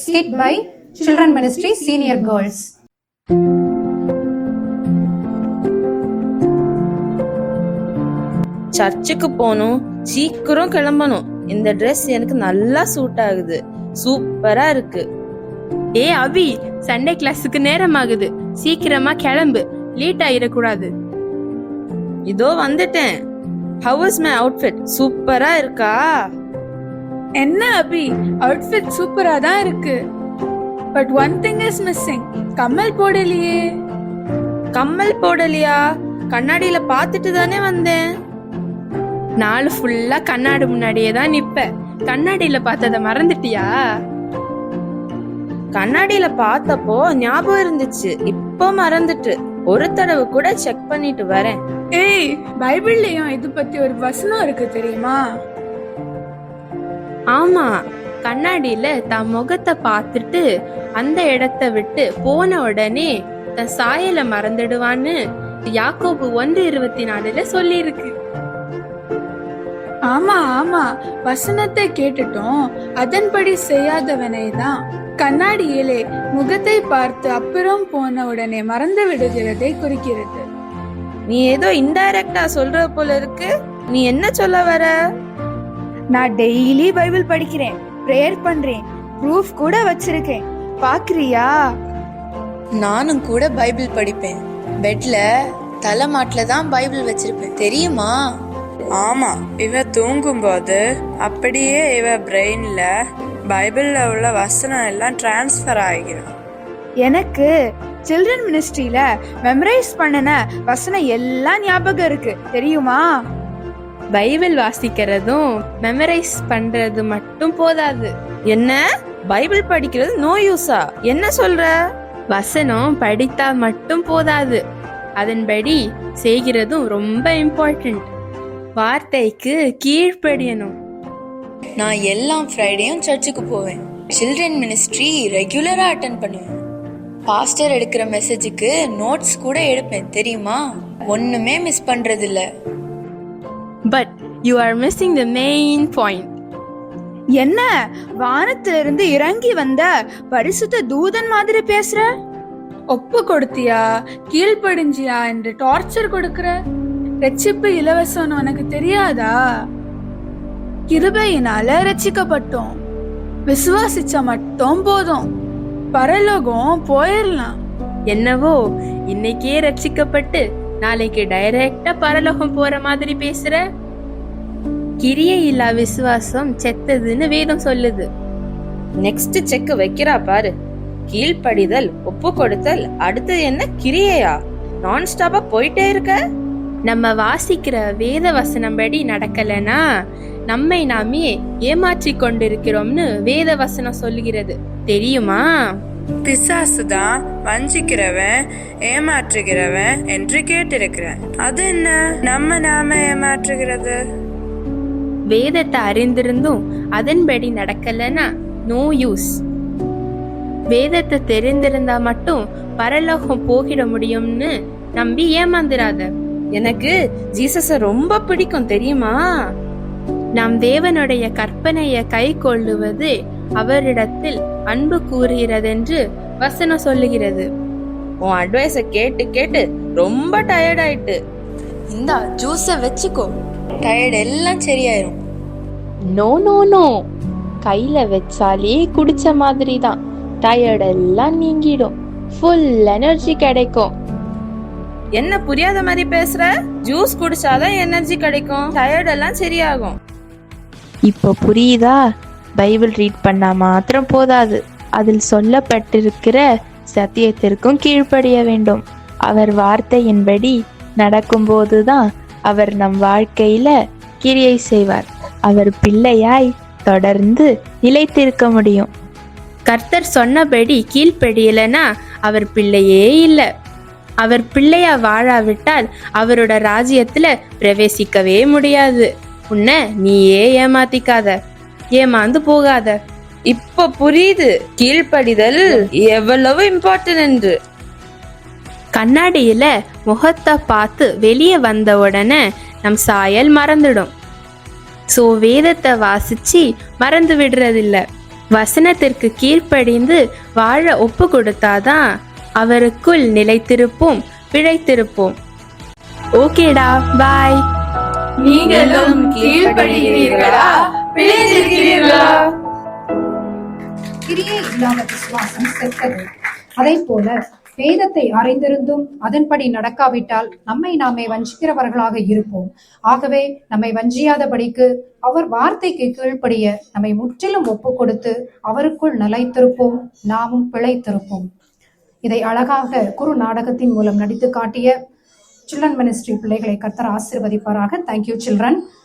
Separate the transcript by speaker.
Speaker 1: skit by Children Ministry Senior Girls.
Speaker 2: சர்ச்சுக்கு போகணும், சீக்கிரம் கிளம்பணும். இந்த ட்ரெஸ் எனக்கு நல்லா சூட் ஆகுது, சூப்பரா இருக்கு.
Speaker 3: ஏ அபி, சண்டே கிளாஸுக்கு நேரம் ஆகுது, சீக்கிரமா கிளம்பு, லேட் ஆயிடக்கூடாது.
Speaker 2: இதோ வந்துட்டேன். How is my outfit? சூப்பரா இருக்கா?
Speaker 4: என்ன அபி, அவுட்ஃபிட் சூப்பரா தான் இருக்கு. But one thing is missing. கம்மல் போடலையே.
Speaker 2: கம்மல் போடலையா? கண்ணாடியில பாத்துட்டு தானே வந்தேன்.
Speaker 3: நாள் ஃபுல்லா கண்ணாடி முன்னாடியே தான் நிப்ப. கண்ணாடியில பார்த்தத மறந்துட்டியா?
Speaker 2: கண்ணாடியில பார்த்தப்போ ஞாபகம் இருந்துச்சு, இப்போ மறந்துட்டு. ஒரு தடவை கூட செக் பண்ணிட்டு வரேன்.
Speaker 4: ஏய், பைபிள்லயும் இது பத்தி ஒரு வசனம் இருக்கு தெரியுமா?
Speaker 3: ஆமா, கண்ணாடியில தன் முகத்தை பார்த்துட்டு அந்த இடத்தை விட்டு போன உடனே தன் சாயலை மறந்துடுவான்னு யாக்கோபு 1:24 சொல்லி இருக்கு.
Speaker 4: ஆமா ஆமா, வசனத்தை கேட்டுட்டோம், அதன்படி செய்யாதவனை தான் கண்ணாடியிலே முகத்தை பார்த்து அப்புறம் போன உடனே மறந்து விடுகிறதை குறிக்கிறது.
Speaker 2: நீ ஏதோ இன்டைரக்டா சொல்ற போல இருக்கு. நீ என்ன சொல்ல வர?
Speaker 5: நான் டெய்லி பைபிள் படிக்கிறேன், பிரேயர் பண்றேன், ப்ரூஃப் கூட வச்சிருக்கேன், பாக்குறியா?
Speaker 6: நானும் கூட பைபிள் படிப்பேன். பெட்ல தலைமாட்டில தான் பைபிள் வச்சிருப்பேன், தெரியுமா?
Speaker 7: ஆமா, இவ தூங்கும் போது அப்படியே இவ பிரெயின்ல பைபிள்ல உள்ள வசனம் எல்லாம் டிரான்ஸ்ஃபர் ஆகிடும்.
Speaker 5: எனக்கு சில்ட்ரன் மினிஸ்ட்ரியில மெமரைஸ் பண்ணன வசனம் எல்லாம் ஞாபகம் இருக்கு, தெரியுமா?
Speaker 3: பைபிள் வாசிக்கிறதும் மெமரைஸ் பண்றது மட்டும் போதாது.
Speaker 2: என்ன, பைபிள் படிக்கிறது நோ யூஸா? என்ன சொல்ற?
Speaker 3: வசனம் படித்தா மட்டும் போதாது, அதன்படி செய்கிறதும் ரொம்ப இம்பார்ட்டன்ட். வார்த்தைக்கு கீழ்ப்படியணும்.
Speaker 6: நான் எல்லா ஃப்ரைடேயும் சர்ச்சுக்கு போவேன். சில்ட்ரன் மினிஸ்ட்ரி ரெகுலரா அட்டென்ட் பண்ணுவேன். பாஸ்டர் எடுக்கிற மெசேஜுக்கு நோட்ஸ் கூட எடுப்பேன், தெரியுமா? ஒண்ணுமே மிஸ் பண்றது இல்ல.
Speaker 3: But you are missing the main point.
Speaker 5: என்ன, வானத்திலிருந்து இறங்கி வந்த பரிசுத்த தூதன் மாதிரி பேசுற?
Speaker 4: ஒப்பு கொடுத்தியா, கீழ்ப்படிஞ்சியா என்று டார்ச்சர் கொடுக்கிற. ரட்சிப்பு இலவசம் உனக்கு தெரியாதா? கிருபையினால ரட்சிக்கப்பட்டோம், விசுவாசிச்சா மட்டும் போதும், பரலோகம் போயிடலாம்.
Speaker 3: என்னவோ இன்னைக்கே ரட்சிக்கப்பட்டு நாளைக்கு டைரக்டா பரலோகம் போற மாதிரி பேசுற. கிரியை இல்லா விசுவாசம் செத்ததுன்னு வேதம் சொல்லுது.
Speaker 2: நெக்ஸ்ட் செக் வைக்கிறா பாரு. கீழ்ப்படிதல், ஒப்பு கொடுத்தல், அடுத்தது என்ன கிரியையா? நான் ஸ்டாப்பா போயிட்டே இருக்க.
Speaker 3: நம்ம வாசிக்கிற வேத வசனம் படி நடக்கலனா நம்மை நாமே ஏமாற்றி கொண்டிருக்கிறோம்னு வேத வசனம் சொல்லுகிறது, தெரியுமா?
Speaker 7: பிசாசு தான் வஞ்சிக்கிறவன், ஏமாற்றுகிறவன் என்று கேட்டிருக்கிறேன். அது என்ன நாம ஏமாற்றுகிறது?
Speaker 3: வேதத்தை அறிந்திருந்தும் அதன்படி நடக்கலனா நோ யூஸ். வேதத்தை தெரிந்திருந்தா மட்டும் பரலோகம் போகிட முடியும்னு நம்பி ஏமாந்துராத.
Speaker 2: எனக்கு ஜீசஸ ரொம்ப பிடிக்கும், தெரியுமா?
Speaker 3: நாம் தேவனுடைய கற்பனையை கை கொள்ளுவது அவரிடத்தில் அன்பு கூறுகிறதென்று வசனம் சொல்லுகிறது.
Speaker 2: உன் அட்வைஸ கேட்டு கேட்டு ரொம்ப டயர்ட் ஆயிட்டு.
Speaker 6: இந்தா ஜூஸ வச்சுக்கோ, டயர்ட் எல்லாம் சரியாயிரும்.
Speaker 8: நோ நோ நோ, கையில வச்சாலே குடிச்ச மாதிரி தான், டயர்ட் எல்லாம் நீங்கிடும், ஃபுல் எனர்ஜி கிடைக்கும்.
Speaker 2: என்ன புரியாத மாதிரி பேசுற? ஜூஸ் குடிச்சாதான் எனர்ஜி கிடைக்கும், டயர்ட் எல்லாம் சரியாகும்.
Speaker 8: இப்போ புரியுதா? பைபிள் ரீட் பண்ணா மாத்திரம் போதாது, அதில் சொல்லப்பட்டிருக்கிற சத்தியத்திற்கும் கீழ்ப்படிய வேண்டும். அவர் வார்த்தையின்படி நடக்கும்போதுதான் அவர் நம் வாழ்க்கையில கிரியை செய்வார். அவர் பிள்ளையாய் தொடர்ந்து நிலைத்திருக்க முடியும்.
Speaker 3: கர்த்தர் சொன்னபடி கீழ்ப்படியலனா அவர் பிள்ளையே இல்லை. அவர் பிள்ளையா வாழாவிட்டால் அவரோட ராஜ்யத்துல பிரவேசிக்கவே முடியாது. உன்னை நீயே ஏமாத்திக்காத, ஏமாந்து போகாத.
Speaker 2: இப்ப புரியுது கீழ்ப்படிதல் எவ்வளவு இம்பார்ட்டன்ட் என்று.
Speaker 3: கண்ணாடியில முகத்தை பார்த்து வெளியே வந்த உடனே நம் சாயல் மறந்துடும். ஸோ வேதத்தை வாசிச்சு மறந்து விடுறதில்ல. வசனத்திற்கு கீழ்ப்படிந்து வாழ ஒப்பு கொடுத்தாதான் அவருக்குள் நிலைத்திருப்போம், பிழைத்திருப்போம். ஓகேடா, பாய்.
Speaker 4: நீங்களும் கீழ்ப்படுகிறீர்களா, பிழைத்திருக்கிறீர்களா?
Speaker 1: கிரியை இல்லாத விசுவாசம் செத்தது. அதை போல வேதத்தை அறிந்திருந்தும் அதன்படி நடக்காவிட்டால் நம்மை நாமே வஞ்சிக்கிறவர்களாக இருப்போம். ஆகவே நம்மை வஞ்சியாதபடிக்கு அவர் வார்த்தைக்கு கீழ்ப்படிய நம்மை முற்றிலும் ஒப்பு கொடுத்து அவருக்குள் நிலைத்திருப்போம், நாமும் பிழைத்திருப்போம். இதை அழகாக குறு நாடகத்தின் மூலம் நடித்து காட்டிய சில்ட்ரன் மினிஸ்ட்ரி பிள்ளைகளை கர்த்தர் ஆசீர்வதிப்பாராக. Thank you children.